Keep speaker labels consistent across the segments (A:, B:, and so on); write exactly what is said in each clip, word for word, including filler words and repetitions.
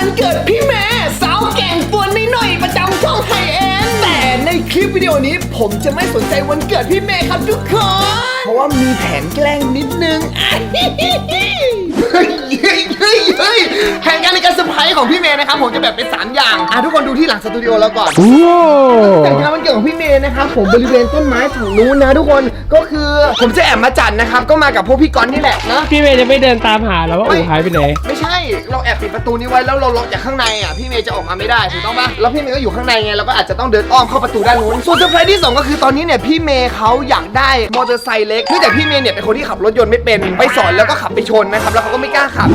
A: วันเกิดพี่เมย์สาวแก่งตัวน้อยๆประจำช่องไฮเอ็นแต่ในคลิปวิดีโอนี้ผมจะไม่สนใจวันเกิดพี่เมย์ครับทุกคนเพราะว่ามีแผนแกล้งนิดนึงเฮ้ยเฮ้ยเฮ้ยเฮ้ยแผนการในการเซอร์ไพรส์ของพี่เมย์นะครับผมจะแบบเป็นสามอย่างอ่ะทุกคนดูที่หลังสตูดิโอแล้วก่อนแต่งงานวันเกิดของพี่เมย์นะครับผมบริเวณต้นไม้ฝั่งนู้นนะทุกคนก็คือผมจะแอบมาจัดนะครับก็มากับพวกพี่กอนนี่แหละนะ
B: พี่เมย์จะไม่เดินตามหาแล้วว่าอู๋หายไปไหน
A: ไม่ใช่เราแอบปิดประตูนี้ไว้แล้วเราล็อกจากข้างในอ่ะพี่เมย์จะออกมาไม่ได้ถูกต้องปะแล้วพี่เมย์ก็อยู่ข้างในไงเราก็อาจจะต้องเดินอ้อมเข้าประตูด้านนู้นส่วนเซอร์ไพรส์ที่สองก็คือตอนนี้เนี่ยพี่เมย์เขาอยากได้มอเตอร์ไซค์เล็กเนื่องจากพี่เมย์เนี่ยเป็นคนที่ขับรถยนต์ไม่เป็นไปสอนแล้วก็ขับไปชนนะครับแล้วเขาก็ไม่กล้าขับ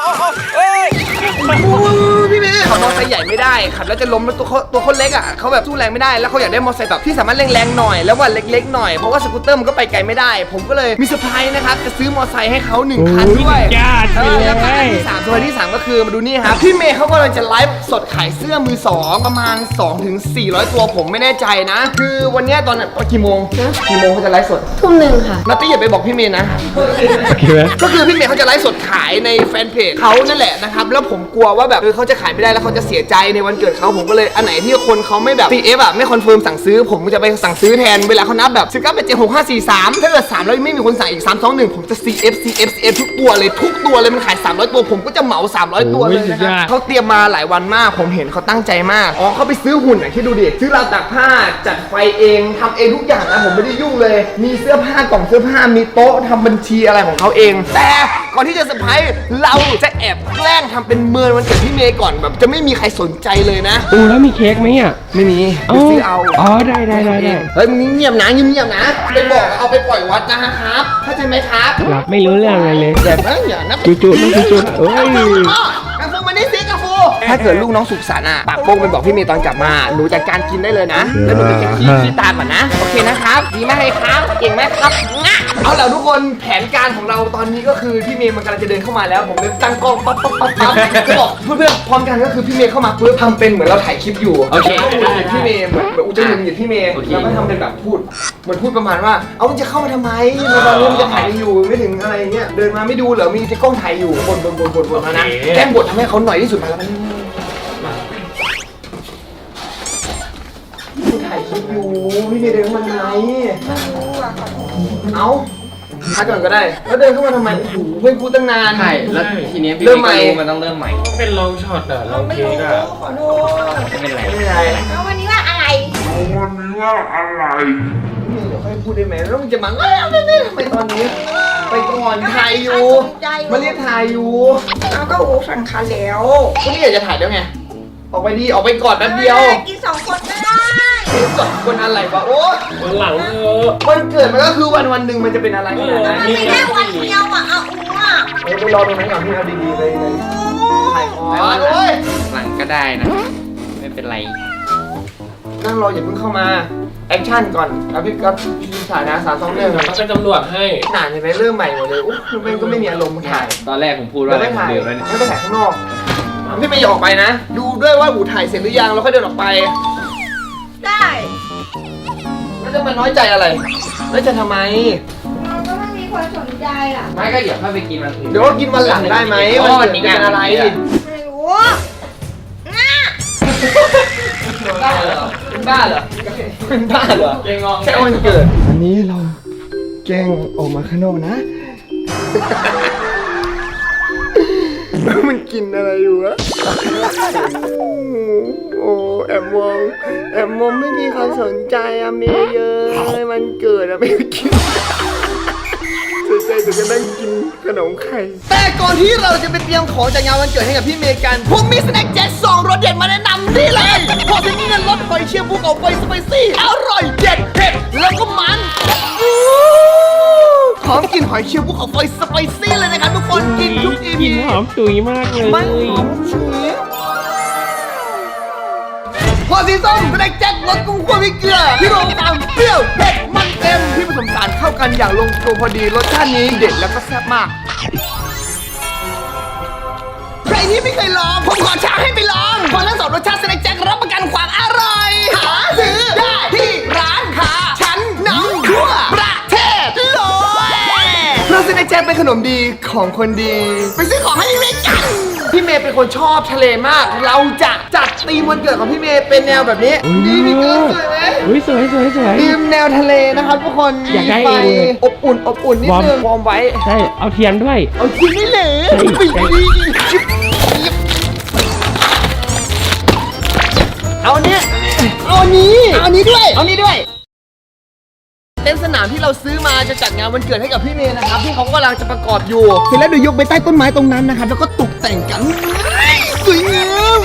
A: พี่เมย์ขับมอเตอร์ไซค์ใหญ่ไม่ได้ขับแล้วจะล้มแล้วตัวเขาตัวเขาเล็กอ่ะเขาแบบสู้แรงไม่ได้แล้วเขาอยากได้มอเตอร์ไซค์แบบที่สามารถแรงๆหน่อยแล้วว่าเล็กๆหน่อยเพราะว่าสกูตเตอร์มันก็ไปไกลไม่ได้ผมก็เลยมีเซอร์ไพรส์นะครับจะซื้อมอเตอร์ไซค์ให้เขาหนึ่งคันด้วย
B: ญาติ
A: เอ
B: ไป
A: อ
B: เล
A: แล้วก็อัน
B: ย
A: ที่สามตัวที่สามก็คือมาดูนี่ครับพี่เมย์เขากำลังจะไลฟ์สดขายเสื้อมือสองประมาณ สองถึงสี่ร้อย ตัวผมไม่แน่ใจนะ คือวันนี้ตอนนั้นกี่โมงกี่โมงเขาจะไลฟ์สด
C: ทุ่มหนึ่งค่ะ
A: นัตตี้อย่าไปบอกพี่เมย์นะ ก็คือพี่เมย์เขาจะไลฟ์สดขายในแฟนเพจเขานั่นแหละนะครับแล้วผมกลัวว่าแบบเออเขาจะขายไม่ได้แล้วเขาจะเสียใจในวันเกิดเขาผมก็เลยอันไหนที่คนเขาไม่แบบ ซี เอฟ อ่ะไม่คอนเฟิร์มสั่งซื้อผมจะไปสั่งซื้อแทนเวลาเขานับแบบสิบเก้า แปด เจ็ด หก ห้า สี่ สามถ้าเกิดสามแล้วไม่มีคนสั่งอีกสาม สอง หนึ่งผมจะ ซี เอฟ ซี เอฟ ซี เอฟ ทุกตัวเลยทุกตัวเลยมันขายสามร้อยตัวผมก็จะเหมาสามร้อยตัวเลยนะครับเขาเตรียมมาหลายวันมากผมเห็นเขาตั้งใจมากอ๋อเขาไปซื้อหุ่นอ่ะคิดดูดิซื้อราวตากผ้าจัดไฟเองทำเองทุกอย่างนะผมไม่ได้ยุ่งเลยมีเสื้อผ้ากล่องเสื้อผ้ามีโต๊ะทำบัญชีอะไรของเขาเองแต่ก่อนที่จะเซอร์ไพรส์เราจะแอบแกล้งทำเป็นเมินวันเกิดพี่เมย์ก่อนแบบจะไม่มีใครสนใจเลยนะ
B: อู๋แล้วมีเค้กไหมอ่ะ
A: ไม่มีไปซื้อเอา
B: อ๋อได้ได้ได้ได้
A: เฮ้ยมึงเงียบนะเงียบๆนะไปบอกเอาไปปล่อยวัดนะครับเข้าใจไหมครับ
B: หลับไม่รู้เรื่องอะไรเลย
A: แบบนั้นอย่านะ
B: จู่ๆต้องจู่ๆเอ้ย
A: กาฟูมานี่สิกาฟูถ้าเกิดลูกน้องสุขสันต์อ่ะปากโป้งไปบอกพี่เมย์ตอนกลับมาหนูจัดการกินได้เลยนะแล้วหนูไปเก็บขี้ขี้ตาก่อนนะโอเคนะครับดีมากเลยครับเก่งมากครับเอาล่ะทุกคนแผนการของเราตอนนี้ก็คือพี่เมย์มันกำลังจะเดินเข้ามาแล้วผมเลยตั้งกล้องปั๊บปั๊บปั๊บปั๊บจะบอกเพื่อนๆพร้อมกันก็คือพี่เมย์เข้ามาปุ๊บทำเป็นเหมือนเราถ่ายคลิปอยู่โอเคพี่เมย์เหมือนอูจะยืนอยู่พี่เมย์แล้วก็ทำเป็นแบบพูดเหมือนพูดประมาณว่าเอามันจะเข้ามาทำไมตอนนี้มันจะถ่ายอยู่ไม่ถึงอะไรเงี้ยเดินมาไม่ดูเหรอมีแต่กล้องถ่ายอยู่บนบนบนบนบนมานะแกล้งบททำให้เขาหน่อยที่สุดมาแล้วพี่ถ่ายคลิปอยู่พี่เมย์เดินเข้ามาทำไมเอาพักก่อนก็ได้แล้วเดินเข้ามาทำไมโอ้โหเพื่อนพูดตั้งนาน
D: ใช่แล้วทีนี้พี่
A: เริ่มใหม่
D: ก็รู้มันต้องเริ่มใหม่
B: เป็นลองช็อตอะลองเค้กอะ
C: ขอโทษ
D: ไม่เป็นไร
A: ไม่เป็นไร
C: แล้ววันนี้ว่าอะไร
A: พี่เมย์เดี๋ยวค่อยพูดได้ไหมแล้วมันจะมาไม่ไม่ไม่ทำไมตอนนี้ไปก่อนถ่ายอยู่มาเรียกถ่ายอยู่
C: เอาก็อูสั่งคันแล้ว
A: ก็นี่อยากจะถ่ายแล้วไงออกไปดีออกไปก่อนแป๊บเดียว
C: กินสองคนไม่ได้
A: สองคนอะไรวะโอ้
B: วันหลังเออ
A: วันเกิดมันก็คือวันวันหนึ่งมันจะเป็นอะไรขนาดนั้น
C: มันไม่แค่วันเดียวอ่ะเอาอูอ่ะ
A: เออไปรอตรงนั้นก่อนพี่เอาดีๆเลยเลยถ่ายก่อนโอ้ย
D: หลังก็ได้นะ ไม่เป็นไร
A: นั่งรออย่าเพิ่งเข้ามาแอคชั่นก่อนแล้วพี่ก็ถ่ายนะสามสองหนึ่ง
B: เขาเป็นตำรวจให้
A: หนาใช่ไหมเริ่มใหม่หมดเลยอุ๊ยมันก็ไม่มีอารมณ์ถ่าย
D: ตอนแรกผมพูดว่า
A: เรา
D: อะไร
A: ไม่
D: ผม
A: ถ่าย
D: เดือดแล้วเนี่ย
A: ไม่ไปถ่ายข้างนอกพี่ไม่ยอมออกไปนะ ดูด้วยว่าหูถ่ายเสร็จหรือยังแล้วค่อยเดินออกไป
C: ได้
A: แล้วจะมาน้อยใจอะไรแล้วจะทำไม
C: เราก็ไม่มีคนสนใจอ่ะ
D: ไม่ก็เดี๋ยวค่อยไปกินวันอื่น
A: เดี๋ยวว่ากินวันหลังได้ไหม
D: เพราะว่าวันนี้
A: จะ
D: งาน
A: เป็นอะไร
C: ไม่รู้ง่ะ
A: บ้าเหรอเป็นบ้าเหรอเป็นบ้าเหรอ
D: เก่งงอง
A: แค่วันเกิดอันนี้เราแกล้งออกมาข้างนอกนะ มันกินอะไรอยู่วะโอ้แอบมองแอบมองไม่มีใครสนใจอะเมย์เยอะมันเกิดอะไม่กินสนใจแต่จะนั่งกินขนมไข่แต่ก่อนที่เราจะไปเตรียมของจากงานวันเกิดให้กับพี่เมย์กันผมมีสแน็คแจ็คสองรสเด็ดมาแนะนำนี่เลยพอถึงนี่รสหอยเชลล์ภูเขาไฟสไปซี่อร่อยเด็ดเผ็ดแล้วก็มันหอมกลิ่นหอยเชลล์ภูเขาไฟสไปซี่เลยนะครับทุกคนกินทุกอี
B: ก
A: พี
B: ลิ่นหอมฉุยมากเลย
A: มันหอมฉุยพอสีส้มสแน็คแจ็ครสกุ้งคั่วพริกเกลือที่รวมความเปรี้ยวเผ็ดมันเต็มที่ผสมสารเข้ากันอย่างลงตัวพอดีรสชาตินี้เด็ดแล้วก็แซ่บมากใครที่ไม่เคยลองผมขอท้าให้ไปลองเพราะทั้งสองรสชาติสแน็คแจ็ครับประกันความอร่อยหาซื้อได้ที่ร้านค้าชั้นนำทั่วประเทศเลยเพราะสแน็คแจ็คเป็นขนมดีของคนดีไปซื้อของให้พี่เมย์กันพี่เมย์เป็นคนชอบทะเลมาก เราจะจัดธีมวันเกิดของพี่เมย์เป็นแนวแบบนี้นี่มีเกินสวยไหม
B: อุ้ยสวยสวยสวย
A: ธีมแนวทะเลนะครับทุกคน
B: อยากได้
A: มีไฟ
B: เองเลย
A: อบอุ่นอบอุ่นนิดนึงวอร์มไว้
B: ใช่เอาเทียนด้วย
A: เอาจริงไม่เหลว
B: ใช่
A: ปีดีเอาเนี้ยเอาอันนี้เอาอันนี้ด้วยเอาอันนี้ด้วยเต็นท์สนามที่เราซื้อมาจะจัดงานวันเกิดให้กับพี่เมย์นะครับที่เขากำลังจะประกอบอยู่เสร็จแล้วเดี๋ยวยกไปใต้ต้นไม้ตรงนั้นนะครับแล้วก็ตกแต่งกันสวยงาม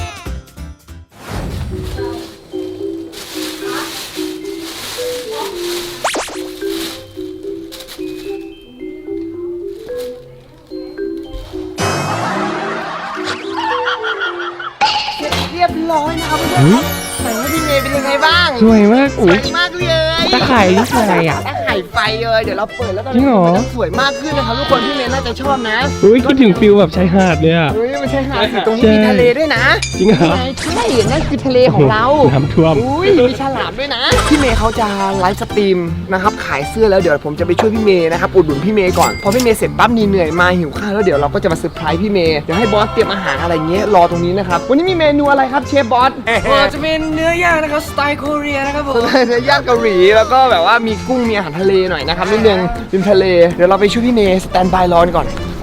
A: เรียบร้อยนะครับเพื่อนๆครับใส่ให้พี่เมย์เป็นยังไงบ้าง
B: สวยมากอุ้ย
A: สวยมากเลย
B: ตะไคร่นี่คืออะไรอ่ะ
A: ตะไคร่ไฟเลยเดี๋ยวเราเปิดแล้วตอน
B: จริ
A: นี้
B: งเหรอ
A: มันจะสวยมากขึ้นนะครับทุกคนพี่เมย์น่าจะชอบนะ
B: อุ้ยคิดถึงฟิลแบบชายหาดเลยอ่ะ
A: เฮ้ยไม่ใช่หาดสิตรงนี้
B: ใช่
A: มีทะเลด้วยนะ
B: จริงเหรอ
A: ไงใช่นั่นคือทะเลของเรา
B: น้ำท่วม
A: อุ้ยมีฉลามด้วยนะพี่เมย์เขาจะไลฟ์สตรีมนะครับขายเสื้อแล้วเดี๋ยวผมจะไปช่วยพี่เมย์นะครับอุดหนุนพี่เมย์ก่อนพอพี่เมย์เสร็จปั๊บนี่เหนื่อยมาหิวข้าวแล้วเดี๋ยวเราก็จะมาเซอร์ไพรส์พี่เมย์เดี๋ยวให้บอสเตรียมอาหารอะไรเงี้ยรอตรงนี้นะครับวันนี้มีเมนูอะไรครับเชฟบอส
D: จะเป็นเนื้อย่างนะครับสไตล์เกาหลีนะครับผม
A: เนื้อย่างเกาหลีแล้วก็แบบว่ามีกุ้งมีอาหารทะเลหน่อยนะครับนิดนึงริมทะเลเดี๋ยวเราไปช่วยพี่เมย์สแตนบายรอนก่อนไป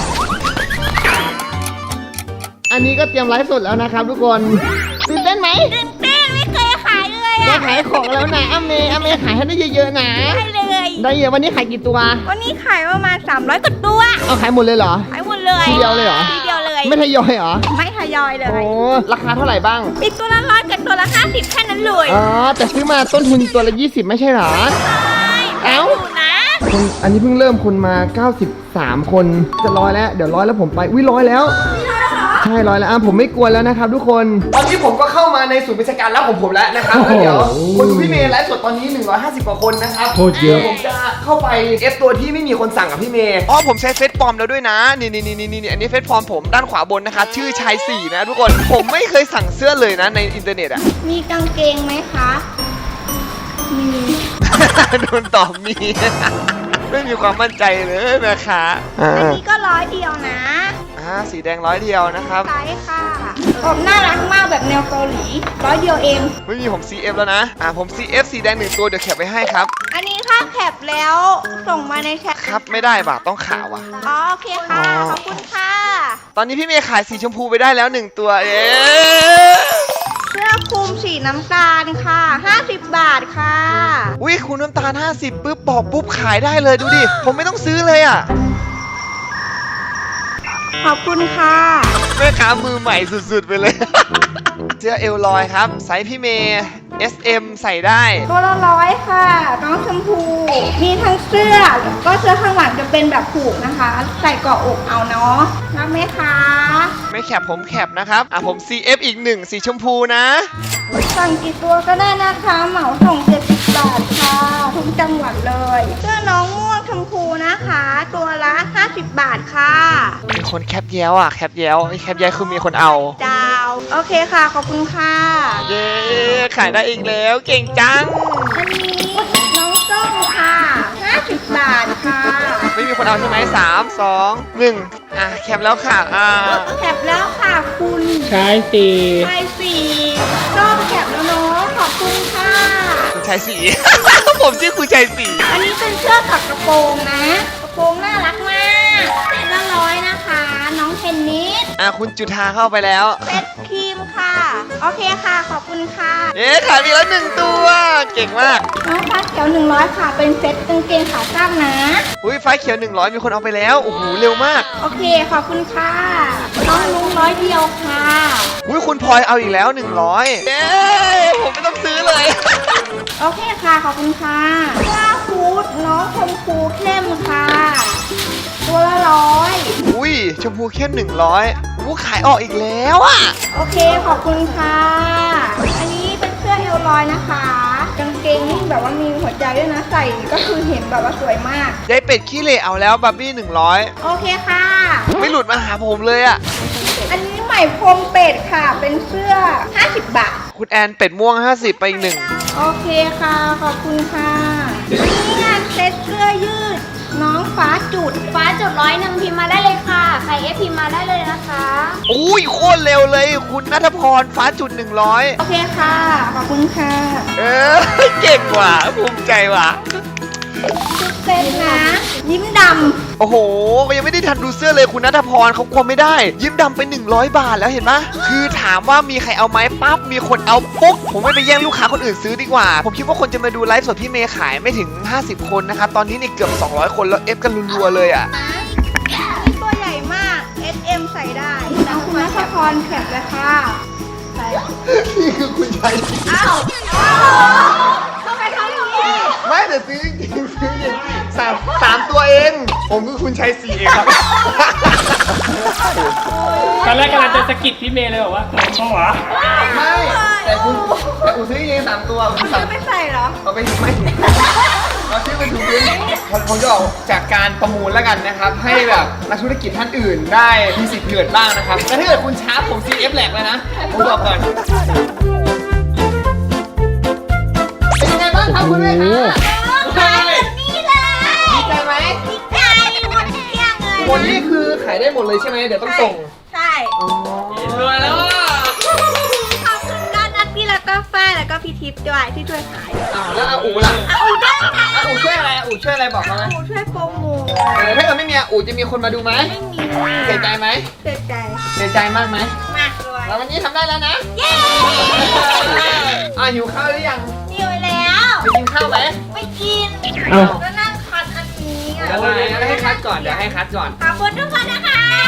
A: อันนี้ก็เตรียมไลฟ์สดแล้วนะครับทุกคนตื่นเต้นไหม
C: ตื่นเต้นไม่เคยขายเลย
A: ได้
C: อ่ะ
A: ขายของแล้วนะอเมย์อเมย์ขายให้ได้เยอะๆนะ
C: ได้เลย
A: ได้เยอะวันนี้ขายกี่ตัว
C: วันนี้ขายประมาณสามร้อยกว่าตัว
A: เอาขายหมดเลยเหรอ
C: ขายหมดเลย
A: ทีเดียวเลยเหรอ
C: ทีเดียวเลย
A: ไม่ทยอยเหรอ
C: ไม่ทยอยเล
A: โอ้
C: ย
A: ราคาเท่าไหร่บ้าง
C: อีกตัวละร้อยกับตัวละห้าสิบแค่นั้นเลย
A: อ๋อแต่ซื้อมาต้นทุนตัวละยี่สิบไม่ใช่เหรอ เอ้า
C: ถูกนะ
A: คนอันนี้เพิ่งเริ่มคนมาเก้าสิบสามคนจะร้อยแล้วเดี๋ยวร้อยแล้วผมไปอุ้ยร้อยแล้วใช่ร้อยแล้วอ่ะผมไม่กลัวแล้วนะครับทุกคนตอนนี้ผมก็เข้ามาในศูนย์บริการรับของผมแล้วนะครับแล้วเดี๋ยวคนดูพี่เมย์ไลฟ์สดตอนนี้หนึ่งร้อยห้าสิบกว่าคนนะครับ
B: โคตรเยอะ
A: ดี๋วผมจะเข้าไปเอฟตัวที่ไม่มีคนสั่งกับพี่เมย์อ๋อผมใช้เฟซฟอร์มแล้วด้วยนะนี่นี่นี่นี่นี่อันนี้เฟซฟอร์มผมด้านขวาบนนะครับชื่อชายสี่นะทุกคนผมไม่เคยสั่งเสื้อเลยนะในอินเทอร์เน็ตอะ
C: มีกางเกงไหมคะ มี
A: โดนตอบมี ไม่มีความมั่นใจเลยนะคะอ่า
C: อันนี้ก็ร้อยเดียวนะ
A: อ่าสีแดงร้อยเดียวนะครับ
C: ใช่ค่ะผมน่ารักมากแบบแนวเกาหลีร้อยเดียวเอง
A: ไม่มีผม ซี เอฟ แล้วนะ อ่าผม ซี เอฟ สีแดงหนึ่งตัวเดี๋ยวแคปไปให้ครับ
C: อันนี้ค่าแคปแล้วส่งมาในแชท
A: ครับไม่ได้บาทต้องขาวอ่ะ
C: อ๋อโอเคค่ะ
A: อ๋อ
C: ขอบคุณค่ะ
A: ตอนนี้พี่เมย์ขายสีชมพูไปได้แล้วหนึ่งตัว เอ๊ะ
C: เสื้อคลุมสีน้ำตาลค่ะห้าสิบบาทค่ะ
A: อุ้ยคุณน้ำตาลห้าสิบปุ๊บบอกปุ๊บขายได้เลยดูดิ ผมไม่ต้องซื้อเลยอ่ะ
C: ขอบคุณค่ะ
A: แม่ค้ามือใหม่สุดๆไปเลย เสื้อเอลลอยครับไซส์พี่เมย์ เอส เอ็ม ใส่ได้
C: ตัวละร้อยค่ะ น้องชมพู มีทั้งเสื้อแล้วก็เสื้อข้างหลังจะเป็นแบบผูกนะคะ ใส่เกาะอกเอาเนาะรับไหมคะ
A: ไม่แคปผมแคปนะครับ อ่ะผม ซี เอฟ อีกหนึ่งสีชมพูนะ
C: สั่งกี่ตัวก็ได้นะคะ เหมาส่งเจ็ดสิบบาทค่ะ ทุกจังหวัดเลย เสื้อน้องม่วงชมพูนะคะ ตัวละห้าสิบบาทค่ะ
A: มีคนแคปแย้วอ่ะแคปแย้วไอ้แคปแย้วคือมีคนเอา
C: ดาว โอเคค่ะ ขอบคุณค่ะ
A: เย้ขายได้อีกแล้วเก่งจัง
C: อันนี้น้องส้มค่ะห้าสิบบาทค่ะ
A: ไม่มีคนเอาใช่ไหมสามสองหนึ่งอ่ะแคปแล้วค่ะอ่า
C: แคปแล้วค่ะคุณ
B: ใช่สิ
C: ชายสี่ส้มแคปแล้วเนาะ ขอบคุณค่ะ
A: คุณชายสี ผมชื่อคุณชายสี
C: อันนี้เป็นเสื้อกับกระโปรงนะ กระโปรงน่ารักมากเซ็ตละร้อยนะคะ น้องเทนนิส
A: อ่ะคุณจุธาเข้าไปแล้ว
C: เซ็ตครีมค่ะ โอเคค่ะ ขอบคุณค่ะ
A: เย้ขายไปแล้วหนึ่งตัว เก่งมาก
C: น้องฟ้าเขียวหนึ่งร้อยค่ะ เป็นเซ็ตกางเกงขาสั้นนะ
A: อุ้ยไฟเขียวหนึ่งร้อยมีคนเอาไปแล้วโอ้โหเร็วมาก
C: โอเค ขอบคุณค่ะ น้องลุงร้อยเดียวค่ะ
A: อุ้ยคุณพลอยเอาอีกแล้วหนึ่งร้อยเย้ผมไม่ต้องซื้อเลย
C: โอเคค่ะ ขอบคุณค่ะเสื้อฮูดน้องชมพูเข้มค่ะ ตัวละร้อย
A: อุ้ยชมพูเข้มหนึ่งร้อยอู้ขายออกอีกแล้วอ่ะ
C: โอเค ขอบคุณค่ะ อันนี้เป็นเสื้อเอลลอยนะคะ กางเกงนี่แบบว่ามีหัวใจด้วยนะ ใส่ก็คือเห็นแบบว่าสวยมาก
A: ยายเป็ดขี้เหร่เอาแล้วบับบี้หนึ่งร้อย
C: โอเคค่ะ
A: ไม่หลุดมาหาผมเลยอ่ะ
C: อันนี้ไหมพรมเป็ดค่ะ เป็นเสื้อห้าสิบบาท
A: คุณแอนเป็ดม่วงห้าสิบไปอีกหนึ่ง
C: โอเคค่ะ ขอบคุณค่ะ อันนี้งานเซ็ตเสื้อยืดน้องฟ้าจุด
E: ฟ้าจุดร้อยหนึ่งพิมพ์มาได้เลยค่ะ ใครเอฟพิมพ์มาได้เลยนะคะ
A: อุ้ยโคตรเร็วเลยคุณณัฐพรฟ้าจุดหนึ่งร้อย
C: โอเคค่ะ ขอบคุณค่ะ
A: เออเก่งว่ะภูมิใจว่ะ
C: ชุดเซ็ตนะ ยิ้มด
A: โอ้โหยังไม่ได้ทันดูเสื้อเลยคุณณัฐพรเขากลัวไม่ได้ ยิ้มดำไปหนึ่งร้อยบาทแล้วเห็นไหมคือถามว่ามีใครเอาไหมปั๊บมีคนเอาปุ๊บผมไม่ไปแย่งลูกค้าคนอื่นซื้อดีกว่า ผมคิดว่าคนจะมาดูไลฟ์สดพี่เมย์ขายไม่ถึงห้าสิบคนนะครับตอนนี้นี่เกือบสองร้อยคนแล้วเอฟกันรัวๆเลยอ่ะ
C: ำนี่ตัวใหญ่มาก เอส เอ็ม ใส่ได้น้องคุณนัทพรแคปเลยค่ะใส่
A: นี่คือคุณชาย
C: อ้าวทำไมทำอย่างนี้
A: ไม่แต่ซื้อจริงๆซื้อจริงสามสามตัวเอง ผมคือคุณชายสี่เองครับ
B: ตอนแรกกำลังจะสะกิดพี่เมย์เลยบอกว่าเขาหวะ
A: ไม่แต่คุณแต่คุณซื้อจริงๆสามตัวคุณ
C: ซื้
A: สา
C: อ
A: ม
C: ไปใส่เหรอ
A: เอาไปไม่เราซื้อไปถูกพื้นผมผมจะออกจากการประมูลแล้วกันนะครับ ให้แบบนักธุรกิจท่านอื่นได้มีสิทธิ์เลือดบ้างนะครับแต่ถ้าเกิดคุณช้าผม ซี เอฟ แหลกเลยนะ ผมบอกก่อน เป็นยังไงบ้างครับคุณแม่คะใช่
C: นี่เลย
A: ดีใจไหม
C: ดีใจหมดเกลี้ยงเลย
A: วันนี้คือขายได้หมดเลยใช่ไหมเดี๋ยวต้องส่ง
C: ใช่
A: รวยแล้วอ่ะ
C: ขอบคุณด้านนัทพี่แล้วก็ฝ้ายแล้วก็พี่ทิพย์ด้วยที่ช่วยขาย
A: อ้าวแล้วอาอูล่ะ
C: อาอูด้วยค่ะ
A: อาอูช่วยอะไรอาอูช่วยอะไรบอกมาไหม
C: อาอูช่วยโปรโมท
A: เออถ้าเกิดไม่มีอาอูจะมีคนมาดูไหม
C: ไม่มี
A: เสียใจไหม
C: เสียใจ
A: เสียใจมากไหม
C: มากเลย
A: แล้ววันนี้ทำได้แล้วนะ
C: เย้
A: อ่ะหิวข้าวหรือยัง
C: เหนียวแล้ว
A: ไปกินข้าวไหม
C: ไม่กิน
B: เอ้า
C: ก็นั่งคัดอันนี้อ่ะ
A: เดี๋ยวเราให้คัดก่อนเดี๋ยวให้คัดก่อน
C: ขอบคุณทุกคนนะคะ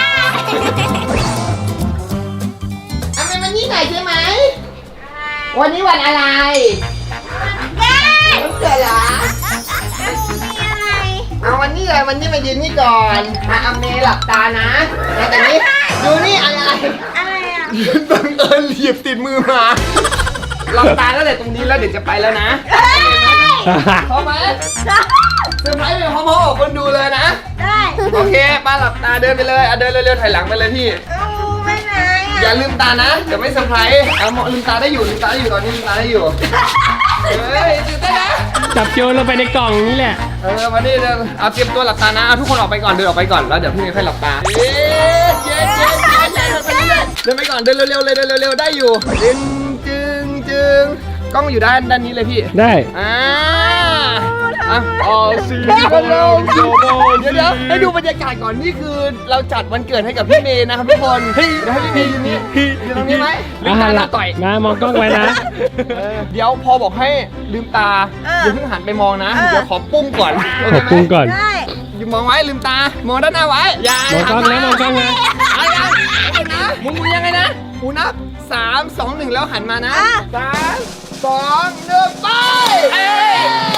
A: เอาไปวันนี้หน่อยใช่ไหมวันนี้วันอะไร
C: เย้
A: วันเกิดเหรอ
C: แล้วมีอะไร
A: เอาวันนี้เลยวันนี้มายืนนี่ก่อนอ่ะเอาเมย์หลับตานะแล้วแต่นี้ดูนี่อะไร
C: อะไรอ่ะ
A: บังเอิญเหยียบติดมือมาหลับตาแล้วแต่ตรงนี้แล้วเดี๋ยวจะไปแล้วนะ
C: เฮ้ย
A: พร้อมไหมเซอร์ไพรส์ไปพร้อมๆกับคนดูเลยนะ
C: ได้
A: โอเคป้าหลับตาเดินไปเลยอ่ะเดินเร็วๆถอยหลังไปเลยพี่
C: เอาไปไหน
A: อย่า
C: อ่ะ
A: ลืมตานะเดี๋ยวไม่เซอร์ไพรส์เอาหมอลืมตาได้อยู่ลืมตาได้อยู่ตอนนี้ลืมตาได้อยู่เฮ้ยตื่นเต้นนะ
B: จับโยนลงไปในกล่องนี่แหละ
A: เออมาดิเดินเอาเตรียมตัวหลับตานะเอาทุกคนออกไปก่อนเดินออกไปก่อนแล้วเดี๋ยวพี่เมย์ค่อยหลับตาเย้เย้เย้เย้เดินไปก่อนเดินเร็วๆเลยเดินเร็วๆได้อยู่จึงจึงจึงกล้องอยู่ด้านด้านนี้เลยพี่
B: ได้
A: อ่าอ่ะอ๋อสีกันแล้วเดี๋ยวเดี๋ยวเดี๋ยวให้ดูบรรยากาศก่อนนี่คือเราจัดวันเกิดให้กับพี่เมย์นะครับทุกคนเฮ้ยเดี๋ยวให้พี่เมย์ยืนนี่ยืนตรงนี้ไหมลืมตาแล้วต่อย
B: มามองกล้องไว้นะ
A: เดี๋ยวพอบอกให้ลืมตาอย่าเพิ่งหันไปมองนะ เดี๋ยวขอปุ้มก่อนโอเคไหม
B: ปรุงก่อน
C: ได้
A: อย่ามองไว้ลืมตามองด้านหน้าไว้อย่าม
B: องกล้องนะมองกล้องนะ
A: เอาอย่างเอานะมึงมึงยังไงนะกูนับสามสองหนึ่งแล้วหันมานะสามสองหนึ่งไปเอ้ย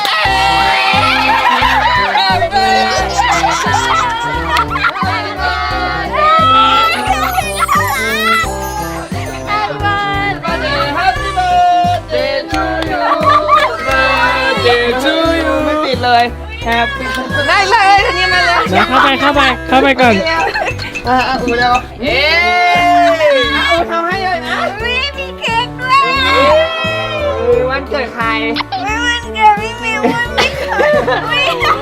A: เอ้ยเอ้ย Happy birthday to you birthday to you ไม่ติดเลย Happy ได้เลยทันนี้มาเลย
B: นะเข้าไปเข้าไปเข้าไปก่อน
A: อ่ะอ่ะอูเร็วเย้อูทำให้เลยนะ
C: ไม่มีเค้กด้วย
A: วันเกิดใคร
C: ไม่วันเกิดพี่มิววันไม่เคยไม่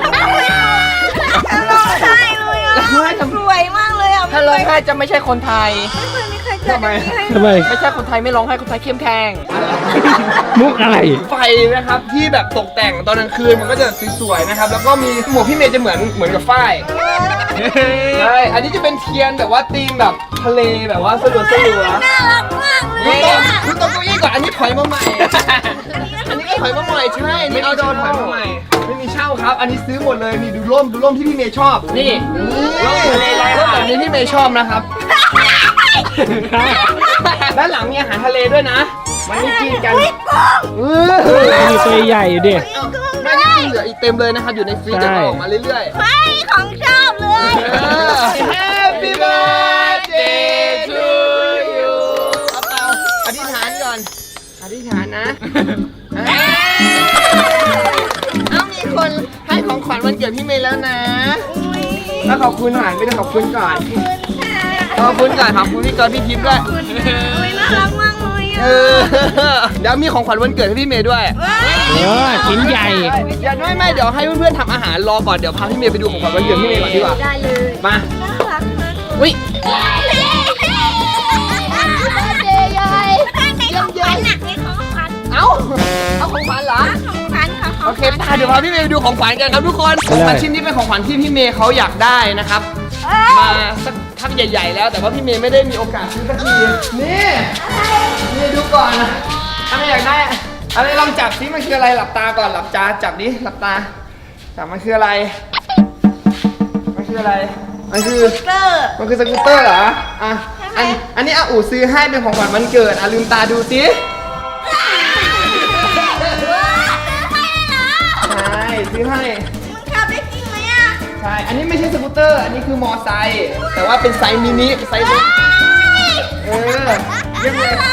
C: ร้องไห้เลยอ่ะสวยมากเลยอ่ะ
D: ถ้าร้องไห้จะไม่ใช่คนไทย
C: ไม่เคยมีใครจัดแบบนี้ให้
B: ทำไม
D: ไม่ใช่คนไทยไม่ร้องไห้คนไทยเข้มแข็ง
B: มุกอะไร
A: ไฟนะครับที่แบบตกแต่งตอนกลางคืนมันก็จะสวยๆนะครับ แล้วก็มีหมวกพี่เมย์จะเหมือนเหมือนกับฝ้ายใช่อันนี้จะเป็นเทียนแบบว่าธีมแบบทะเลแบบว่าสลัวสลัว
C: น่ารักมากเลย
A: นี่
C: อ่ะ
A: คุณตรงเก้าอี้ก่อนอันนี้ถอยมาใหม่ อันนี้ก็ถอยมาใหม่ใช่นี่เอาโดนถอยมาใหม่ ไม่มีเช่าครับ อันนี้ซื้อหมดเลยนี่ดูร่มดูร่มที่พี่เมย์ชอบ นี่ร่มทะเลลายร่มแบบนี้ที่เมย์ชอบนะครับ ด้านหลังมีอาหารทะเลด้วยนะมันไม่กินกันเออ
B: มีตัวใหญ่อยู่ดิ
A: ไม่ได้กินเหลืออีกเต็มเลยนะครับอยู่ในฟรีซจะออกมาเรื่อยๆ
C: เฮ้ยของชอบเลย
A: Happy birthday to you เอาเปล่าอธิษฐานก่อน อธิษฐานนะเอามีคนให้ของขวัญวันเกิดพี่เมย์แล้วนะ แล้วขอบคุณหน่อยไม่ได้ขอบคุณก่อน ขอบคุณก่อนขอบคุณพี่กอล์ฟพี่ทิพย์ด้วย
C: อุ้ยน่ารักมากเลยอ่ะ
A: เออเดี๋ยวมีของขวัญวันเกิดให้พี่เมย์ด้วย
B: เออชิ้นใหญ่
A: อย่าไม่ไม่เดี๋ยวให้เพื่อนๆทำอาหารรอก่อนเดี๋ยวพาพี่เมย์ไปดูของขวัญวันเกิดพี่เมย์ก่อนดีกว่า
E: ได้เลย
A: มา
C: น่ารักมาก
A: อุ้ย
E: เดย์ยาย
C: เยอะเยอะหนักในของขวัญ
A: เอ้าเอาของขวัญเหรอ
C: ของขวัญค่ะขอ
A: โอง เค
C: ขวัญ
A: ป้าเดี๋ยวพาพี่เมย์ไปดูของขวัญกันครับทุกคนของขวัญชิ้นนี้เป็นของขวัญที่พี่เมย์เขาอยากได้นะครับ มาสักพักใหญ่ๆแล้วแต่ว่าพี่เมย์ไม่ได้มีโอกาสซื้อสักทีนี่นี่ดูก่อนอะไรอยากได้อะไรลองจับซิมันคืออะไรหลับตาก่อนหลับตาจับดิหลับตาจับมันคืออะไรมันคืออะไรมันคือ
C: เกอร์
A: มันคือสกูตเตอร์เหรออ่ะอันอันนี้อาอูซื้อให้เป็นของขวัญวันเกิดอ่ะลืมตาดูสิใช่ซื้อให้
C: มึงขับได้จริงไหมอ่ะ
A: ใช่ อันนี้ไม่ใช่สกูตเตอร์ อันนี้คือมอไซค์แต่ว่าเป็นไซส์มินิไซส์เล็กเออเรียบเลย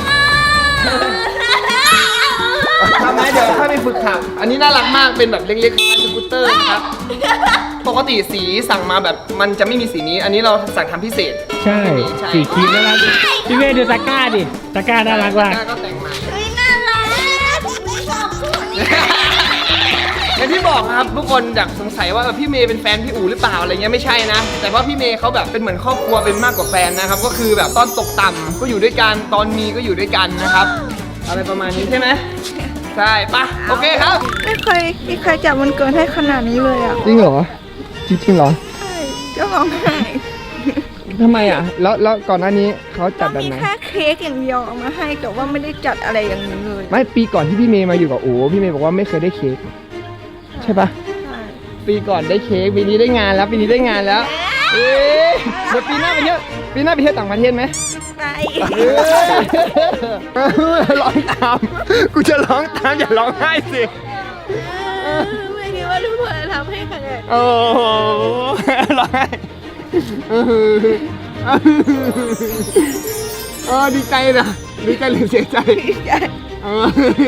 A: ทำไหมเดี๋ยวค่อยไปฝึกขับ อันนี้น่ารักมาก เป็นแบบเล็กๆคล้ายสกูตเตอร์นะครับ ปกติสีสั่งมาแบบมันจะไม่มีสีนี้ อันนี้เราสั่งทำพิเศษ
B: ใช่
A: ใช่
B: สีครีมน่ารักพี่เมย์ดูตะกร้าดิตะกร้าน่ารักมาก
A: ก็แต่งมา
C: เฮ้ยน่ารักไม่ชอบพูดนี่
A: อย่างที่บอกครับทุกคนอยากสงสัยว่าเออพี่เมย์เป็นแฟนพี่อู๋หรือเปล่าอะไรเงี้ยไม่ใช่นะ แต่ว่าพี่เมย์เขาแบบเป็นเหมือนครอบครัวเป็นมากกว่าแฟนนะครับก็คือแบบตอนตกต่ำก็อยู่ด้วยกันตอนมีก็อยู่ด้วยกันนะครับอะไรประมาณนี้ใช่ไหมใช่ปะโอเคครับ
C: ไม่เคยไม่เคยจับวันเกิดให้ขนาดนี้เลยอ่ะ
A: จริงเหรอจริงจริงเหรอ
C: ใช่จะร้องไห้
A: ทำไมอ่ะแล้วแล้วก่อนหน้านี้เขาจัดแบบ
C: มี
A: ไหน
C: แค่เค้กอย่างเดียวเอามาให้แต่ว่าไม่ได้จัดอะไรอย่างนี้เลย
A: ไม่ปีก่อนที่พี่เมย์มาอยู่กับอู๋พี่เมย์บอกว่าไม่เคยได้เค้กใช่ปะ
C: ใช่
A: ปีก่อนได้เค้กปีนี้ได้งานแล้วปีนี้ได้งานแล้วเอ๊ะเดี๋ยวปีหน้าไปเที่ยวปีหน้าไปเที่ยวต่างประเทศไหม
C: ไป
A: เออร้องตามกูจะร้องตามอย่าร้องไห้สิ
C: ไม่คิดว่าทุกคนจะทำให้ขนาดนี้
A: โอ้โหร้องไห้เออเออดีใจนะดีใจหรือเสียใจเออ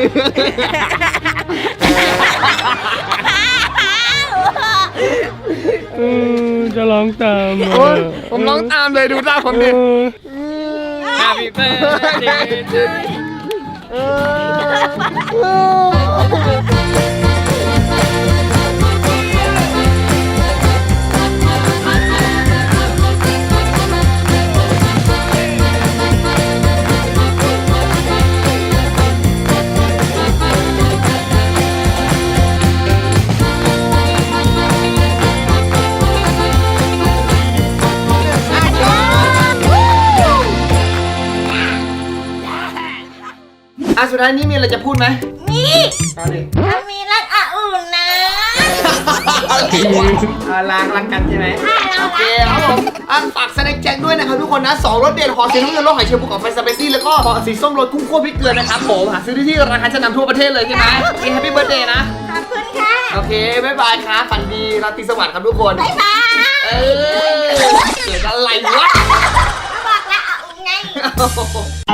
B: เออจะร้องตามอ่ะ
A: โอ้ยผมร้องตามเลยดูหน้าผมดิ
B: Happy birthday to you
A: เออ อ่ะสุดท้ายนี้มีอะไรจะพูดไหม
C: นี่
A: เอาดิ
C: มันมีรักอ่ะอุ่นนะ
A: อ่าล้างล้างกันใช่ไหมโอเคครับผมอ่ะฝากแสดงแจ้งด้วยนะครับทุกคนนะสองรสเด็ดหอสีน้ำเงินรสหอยเชลล์ภูเขาไฟสเปซี่แล้วก็หอสีส้มรสกุ้งคั่วพริกเกลือนะครับผมหาซื้อได้ที่ร้านค้าชั้นนำทั่วประเทศเลยใช่ไหมโอเคแฮปปี้เบิร์ดเดย์นะ
C: ขอบคุณค่ะ
A: โอเคบ๊ายบายครับฝันดีราตรีสวัสดิ์ครับทุกคน
C: บ๊ายบาย
A: เออเกิดอะไรวะ
C: บอกแล้วอ่ะอุ่นไง